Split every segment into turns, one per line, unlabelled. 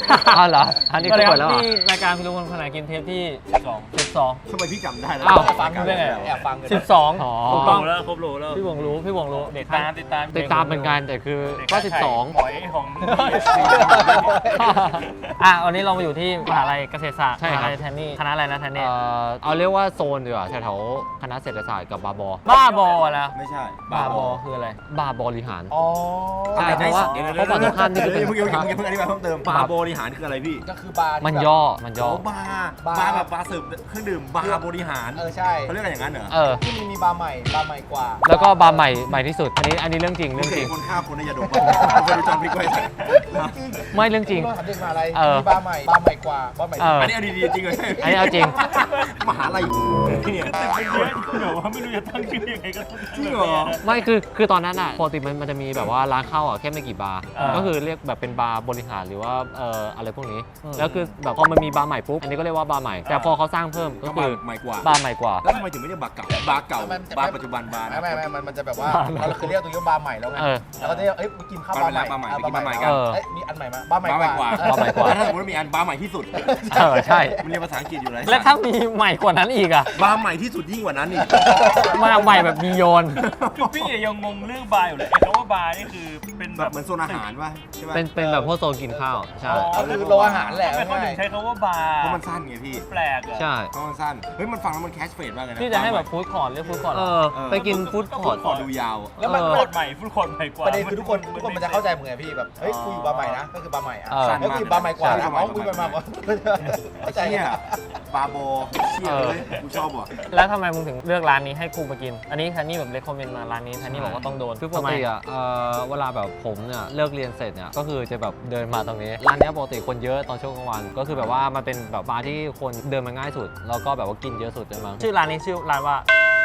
อ้าวเหรออันนี้ก็เปิดแล้ว
นี่รายการคุณลุงคนขนาดกินเทปที่12
ทำไมพี่จำได้แล้ว
อ้าว
ฟังได้ไง
แอบฟังกัน
12
อ๋อ
ถูกต้อง
แล้วครบโลแล้ว
พี่วงรู้
ติดตาม
เหมือนกันแต่คือก็
หอยของ
วันนี้เรามาอยู่ที่มหาลัยเกษตรศาสตร์
ใช่
ม
ครับ
หาลัยแทนนี่คณะอะไรนะแทนนี่
เอาเรียกว่าโซนดีกว่าแถวๆคณะเศรษฐศาสตร์กับบาบอ
บ้าบอแล้ว
ไม่ใช่
บ้าบอคืออะไร
บาบริหาร
อ๋อ
ใช่เพราะว่าเพราะฝั่งตรงข้ามนี่คือเป็น
เมื่อกี้เพิ่งอธิบายเพิ่มเติมบาร์บริหารคืออะไรพี่
ก็คือบาร์ที่
มัน
แบบ
ย่อ
บาร์แบบบาร์เสิร์ฟเครื่องดื่มบาร์บริหาร
ใช่
เขาเรียกกันอย่างนั้นเหรอ
ที่มีบาร์ใหม่กว่า
แล้วก็บาร์ใหม่ที่สุดอันนี้เรื่องจริง
คนฆ่าคนในยาดมเคยดูจอห์นวิกไว้
ไม่เรื่องจริง
ถามเด็กมหาลัย
มี
มีบาร์ใหม่กว่าบาร์ใหม่
อันนี้เอาดีๆจริงเลย
อันนี้เอาจริง
มหาลัยเนี่ย
เดี๋ยวว่าไม่รู้จะตั้งชื่อยังไงก็ต้อง
จริงเหรอ
ไม่คือตอนนั้นอ่ะปกติมันจะมีแบบว่าร้านข้าวอ่ะแค่ไม่กี่บาร์ก็คือเรียกแบบเป็นบาร์บริหารหรือว่าอะไรพวกนี้แล้วคือแบบพอมันมีบาร์ใหม่ปุ๊บอันนี้ก็เรียกว่าบาร์ใหม่แต่พอเขาสร้างเพิ่มก็คือ
ใหม่กว่า
บาร์ใหม่กว่า
แล้วทำไมถึงไม่เรียกบาร์เก่าบาร์เก่าบาร์ปัจจุบันบาร์
ไม่มันจะแบบว่าเราเคยเรียกตรงนี้ว่าบาร์ใหม่แล้วไงแล้วก็จะเรียกมากินข้าวบาร์ใหม่มีอันใหม่มาบาร์ใหม่
บาร์ใหม่กว่า
บาร์ใหม่กว่า
ถ้าสมมติมีอันบาร์ใหม่ที่สุด
ใช่
มันเรียนภาษาอังกฤษอยู่เลย
และถ้ามีใหม่กว่านั้นอีกอะ
บาร์ใหม่ที่สุดยิ่งกว่านั้นอีก
มาใหม่แบบมีโยน
คือพี่ยังงงเรื่องบาร์อยู่เลยไอ้คำว่าบาร์นี่คือเป็น
แบบเหมือนโซนอาหารป่ะใช่ป่ะ
เป็นแบบพวกโซนกินข้าวใช่
คือโรงอาหารแหละ
ทำไมเขาถึงใช้คำว่าบาร์
เพราะมันสั้นไงพี่
แปลกอะ
ใช่
เพราะมันสั้นเฮ้ยมันฟังแล้วมันแคชเฟรดมากเลยนะ
ที่จะให้แบบฟู้ดคอร์ทเรียกฟู้ดคอร์ท
ไปกินฟู้ดคอร์ท
ขอดูยาว
แล้วมัน
ฟุตคอร์ดใหม่ฟุตคอร์ดใหม่กว่า
ประเด็นคือทุกคนมันจะเข้าใจมึงไงพี่แบบเฮ้ยกูอยู่บาร์ใหม่นะก็คือบาร์ใหม่อ่ะ
สั้น
แล้ว
มาก
กูอยู่บาร์ใหม่กว่า
ใช่
อ๋อกูไปมาก่อนเข้าใจ
เนี่ยบาร์โบเชี่ยเลยกูชอบว่ะ
แล้วทำไมมึงถึงเลือกร้านนี้ให้กูมากิน อันนี้แทนนี่แบบเลคคอมเมนต์มาร้านนี้แทนนี่บอกว่าต้องโดน
คือปกติอ่ะเวลาแบบผมเนี่ยเลิกเรียนเสร็จเนี่ยก็คือจะแบบเดินมาตรงนี้ร้านเนี้ยปกติคนเยอะตอนช่วงกลางวันก็คือแบบว่ามันเป็นแบบบาร์ที่คนเดินมาง่ายสุดแล้วก็แบบว่ากินเยอะสุดเลยมั้ง
ชื่อร้านนี้ชื่อร้านว่า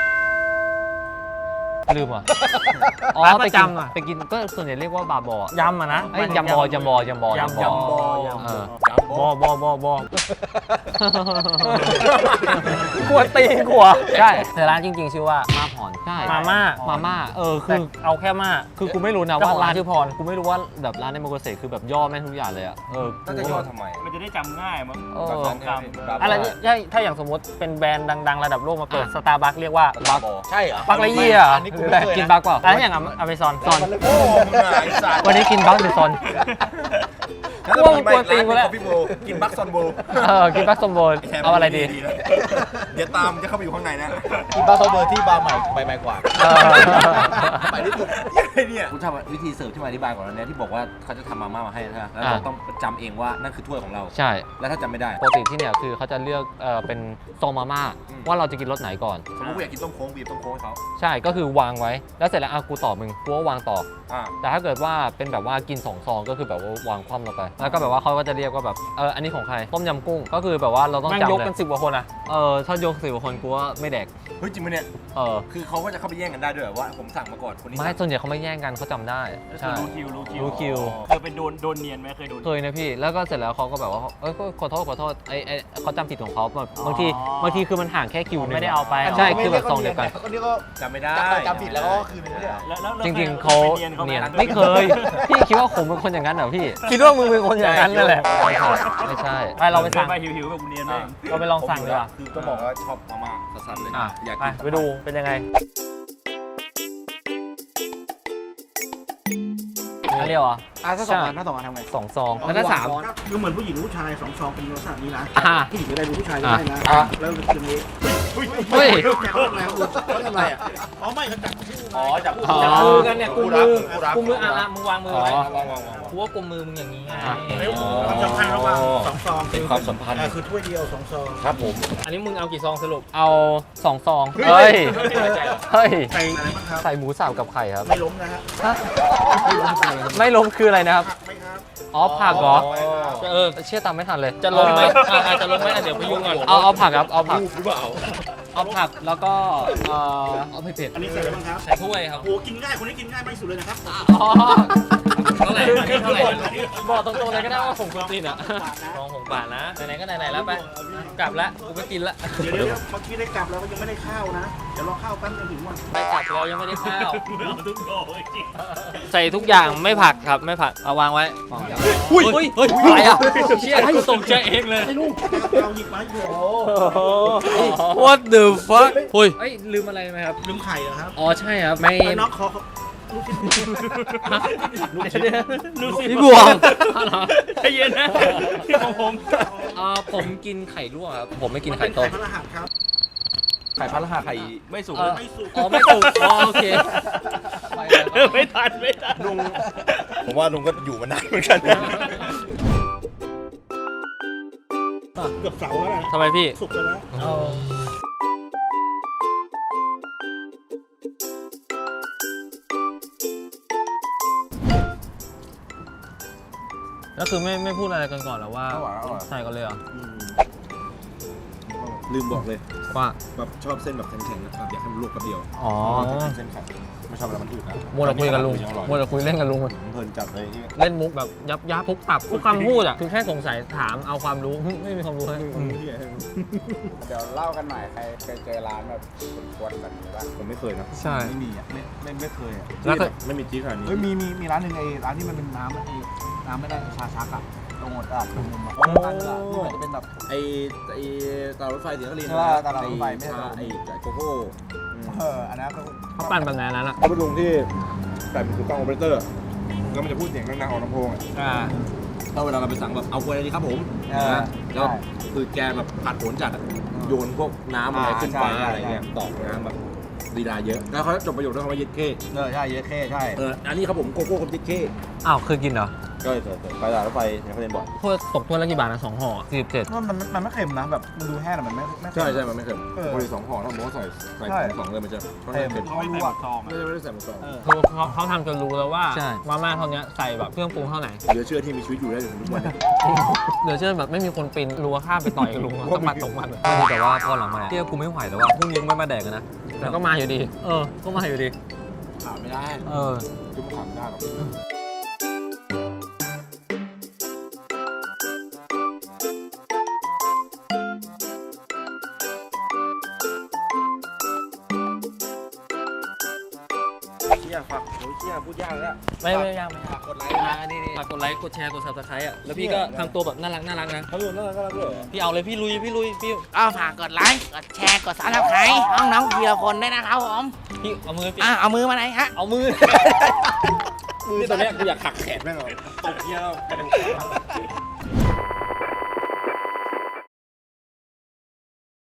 ลืมอ่ะ
ร้านประจำอะ
ไปกินก็ส่วนใหญ่เรียกว่าบาร์บอย
ำอะนะ
ยำบอยำบอย
ยำบอกลัวตีนกลัว
ใช่
แต่ร้านจริงๆชื่อว่า
มาผ่อนใช่
มาม่า
มาม่าคื
แต่
อ
เอาแค่ม่า
คือกูไม่รู้นะ
เจ้า
ว่า
ของร้า
ร้าน น
ชื่อพร
กูไม่รู้ว่าแบบร้านในโมโกเสคือแบบย่อแม่งทุกอย่างเลยอ่ะ
น่าจะย่อทำไม
มันจะได้จำง่ายมั้ง
สองค
อะไรถ้าอย่างสมมติเป็นแบรนด์ดังๆระดับโลกมาเปิดสตาร์บัคเรียกว่า
บัก
ใช่เหรอ
บัคละเยีย
อันนี้กูไม่เคย
กิน
นะ
บักเปล่า
อันนี้อย่างอเมซอน
ซอน
โอ้มึงไอ้สัตว์
วันนี้กินบักหรือซอน
กูว่ามึงกลัวตีนกูแล้ว
พี่โบกินบักซอนโบ
กินบักสมบูรณ์เอาอะไรดี
เดี๋ยวตามจะเข้าไปอยู่ข้างในนะ
กินบาร์โซเบอร์ที่บาร์ใหม่กว่า
ใหม่ที่สุดเนี่ยคุณชอบวิธีเสิร์ฟที่มาอธิบายก่อนนะที่บอกว่าเขาจะทำมาม่ามาให้ใช่ไหมแล้วเราต้องจำเองว่านั่นคือถ้วยของเรา
ใช่
แล้วถ้าจำไม่ได้
ปกติที่เนี่ยคือเขาจะเลือกเป็นซองมาม่าว่าเราจะกินรสไหนก่อน
สมมติกูอยากกินต้มโค้งบีบต้มโค้งให้เขา
ใช่ก็คือวางไว้แล้วเสร็จแล้วกูต่อมึงกูก็วางต่อ แต่ถ้าเกิดว่าเป็นแบบว่ากิน2 ซองก็คือแบบว่าวางคว่ำลงไปแล้วก็แบบว่าเขาก็จะเรียกว่าแบบอันนี้ของใครต้มยำกุ้งก็คือแบบว่าเราต้อง
แม่ง
จำ
ยก
เล
กัน
ย
10 กว่าคนอะ
ถ้ายก10 กว่าคนกูว่าไม่แดก
เฮ้ยจริงไหมเนี่ย คือเขาก็จะเข้าไปแย่งกันได้ด้วยว่าผมสั่งมาก่อนคนนี้
ไม่ส่วนใหญ่เขาไม่แย่งกันเขาจำได้ใช่
รู้คิว
รู้คิว
เคยเป็นโดนเนียนไหมเคยโดน
เคยนะพี่แล้วก็เสร็จแล้วเขาก็แบบว่าก็ขอโทษไอ้เขาจำผิดของเขาแบบบางทีคือมันห่างแค่คิวนึง
ไม่ได้เอาไป
ใช่คือแบบซองเดียวกัน
คนนี้ก็
จำไม่ได้
จำผิดแล้วก็คืนนี้
แล้ว
จริงๆเขาเนียนไม่เคยพี่คิดว่าผมเป็นคนอย่างนั้นเหรอพี่
คิดว่ามึงเป็นคนอย่างนั้นนั่นแหละ
ไม่ใช่
ไปเราไปสั่ง
ไปหิวๆแบบกูเนียนเลย
เราไปลองสั่งดีกว่า
คือต้องบอกว่าชอบมาม่าสัสๆเลยอยาก
ไป
กิน
ไปดูเป็นยังไงอันเดียวเหรอ
ถ้าสองอันทำไง
2 ซองแล้วก็3
คือเหมือนผู้หญิงผู้ชาย2 ซองเป็นลักษณะนี้นะ ผู้หญิงก็ได้ดูผู้ชายก็ได้นะ แล้วคืนนี้
เฮ้ย
แกเขาทำอะไรเขาทำอะไรอ่ะอ๋อไม่เขาจับคู่
อ๋อจับ
จับมือกันเนี่ยกุมมือมึงวางมือไว้
วาง
กูว่ากุมมือมึงอย่างนี้ไง
ความสัมพันธ์ระหว่าง2 ซอง
เป็นความสัมพันธ์
คือถ้วยเดียว2 ซอง
ครับผม
อันนี้มึงเอากี่ซองสรุป
เอา2 ซองเฮ้ย เฮ้ย
ใส่อะไรบ้างครับ
ใส่หมูสับกับไข่ครับ
ไม่ล้มนะฮะ
ไม่ล้มคืออะไรนะครับ
ไหมครับ
อ๋อผักเหรอ
จะ
เชื่อตามไม่ทันเลย
จะลงไหมจะลงไหมเดี๋ยวพยุงก่อน
เอาผักครับเอาผัก
หรือเปล่า
เอาผักแล้วก็เอาเผ็ด
อันนี้ใส่อะไรบ้างครับ
ใส่ถ้วยครับ
โอ้กินง่ายคนนี้กินง่ายไม่สุดเลยนะครับ
อ๋อ
เท่าไหร่เท่าไหร่
บอกตรงๆเลยก็ได้ว่าผมกวนตีนอ่ะ
ลอง6 บาทนะไหนๆก็ไหนๆแล้วไปกลับละกูไปกินละ
เดี๋ยวเมื่อกี้ได้กลับแล้วก็ยังไม่ได้ข้าวนะ เดี๋ยวรอข้าวแป๊บนึงถึงวัน
ไปกลับเรายังไม่ได้ข้าว
เราทุกโดจริง
ใส่ทุกอย่างไม่ผักครับไม่ผักเอาวางไว้อุ้ยเฮ้ยอะไรอ่ะเชี่ยให้ตกใจเองเลย
ไอ้ลูกเอาหยิบมาอยู่
What the fuck เฮ้ยลืมอะไรไหมครับ
ลืมไข่เหรอครับ
อ๋อใช่ครับไม่
ไอ้น็อกเขาลูกชิ้น
รู้สิ
พี่บวง
ใจเย็นนะที่ของผม
ผมกินไข่ลวกครับผมไม่กิน
มัน
ไข่
เป็น
ต้
ไข่
ม
พระรหัสครับ
ไข่พัดรหัสไข่ไม่สุก
ไม่สุก
อ๋อไม่ถูกอ๋อโอเค
ไม่ทัน
ลุงผมว่าลุงก็อยู่มานานเหมือนกัน
เกือบเสาแล้วนะ
ทำไมพี่
สุกไปแล้ว
แล้วคือไม่พูดอะไรกันก่อนหรอว่าใส่กันเลยเหรอ
ลืมบอกเลย
ว่า
แบบชอบเส้นแบบแข็งๆนะครับอยากให้มันลวกแป๊บเดียว
อ๋อ
เส้นแข็งไม่ชอบเวลามันอืดนะ
มัวแต่คุยกับลุงมัวแต่คุยเล่นกับลุง
เพลินจัดเลยที่
เล่นมุกแบบยับทุกปรับทุกคำพูดอ่ะคือแค่สงสัยถามเอาความรู้ไม่มีความรู้ให้
เดี๋ยวเล่ากันหน่อยใครเคยเจอร้านแบบกวนๆแบบนี้บ้าง
ผมไม่เคยนะ
ใช่
ไม่มีอ่ะไม่เคยอ่ะ
แล้วก็
ไม่มีจี๊ดขนาดนี้
เฮ้ยมีร้านหนึ่งไอ้ร้านที่มันเป็นน้ำน้ำไม่ได้ชาชักอ่ะตรงหัวตลาดตรงมุมอ่ะร้านนึงอ่ะที่มันจะเป็นแบบ
ไอ้ตลาดรถไฟเสียงคลิน
ใช่ป่ะตลาดรถไฟไม่ใช่
ไอ้โกโก้
อันนั้นก็
เขาปั่นแบบนั้นอ่ะ
เขาเป็นลุงที่ใส่เป็นถูกต้องโอเปอเรเตอร์แล้วมันจะพูดเสียงดังๆออกลำโพงอ่ะถ้าเวลาเราไปสั่งแบบเอากล้วยอะไรดีครับผมนะแล้วคือแกแบบผัดผลจัดอะโยนพวกน้ำอะไรขึ้นฟ้าอะไรเงี้ยตอกน้ำแบบลีลาเยอะแล้วเขาจบประโยคด้วยคำว่ายึดเข้
ใช่เยอะแค่ใช่
อันนี้ครับผมโกโก้กับยึดเข้
อ้าวเคยกินเหรอ
ก็เลยไปตลาดรถไฟเนี่ยเขาเรียนบ่อย
ถ้วยตกถ้วยละกี่บาทนะ2 ห่อ47
มันไม่เค็มนะแบบมันดูแห้งแต่มันไม่
ใช่มันไม่เค็มบริสองห่อถ้าผมว่าใส่สองเลยมันจะค่อนข้างเค็ม
ไม่ใส่หมดซอง
ไม่ได้ใส่หมดซอง
คือเขาทำจนรู้แล้วว่ามาม่าเท่านี้ใส่แบบเครื่องปรุงเท่าไหร่
เหลือเชื่อที่มีชีวิตอยู่ได้ถึงทุกวันนี้
เดี๋ยวเชื่อแบบไม่มีคนปีนรั้วข้ามไปต่อยกับลุงต้องมาตกมัน
แต่ว่าพอหลังมาเที่ยวกูไม่ไหวแล้วว่าพรุ่งนี้ไม่มาแดกกันนะ
แล้วก็มาอยู่ดีก็มาอยู่ดี
ถามไม่ได้ จุ๊บถามไม่ได้หรอก
เชี่ยฝักโอ้ยเชี่ยพูดยากเลย
ไม่ยากไม่
ฝากกดไลค์นะนี่
ฝากกดไลค์กดแชร์กด subscribe อ่ะแล้วพี่ก็ทำตัวแบบน่ารักนะ
เขาดูน่ารักด้วย
พี่เอาเลยพี่ลุยพี่
ก็ฝากกดไลค์ กดแชร์ กดซับสไครต์น้องๆทีละคนด้วยนะครับผม
พี่เอามือ
เอามือมาไหนฮะ
เอามือ
มือตอนแรกกูอยากหักแขนแม่งเลยตบเยี่ยแล้ว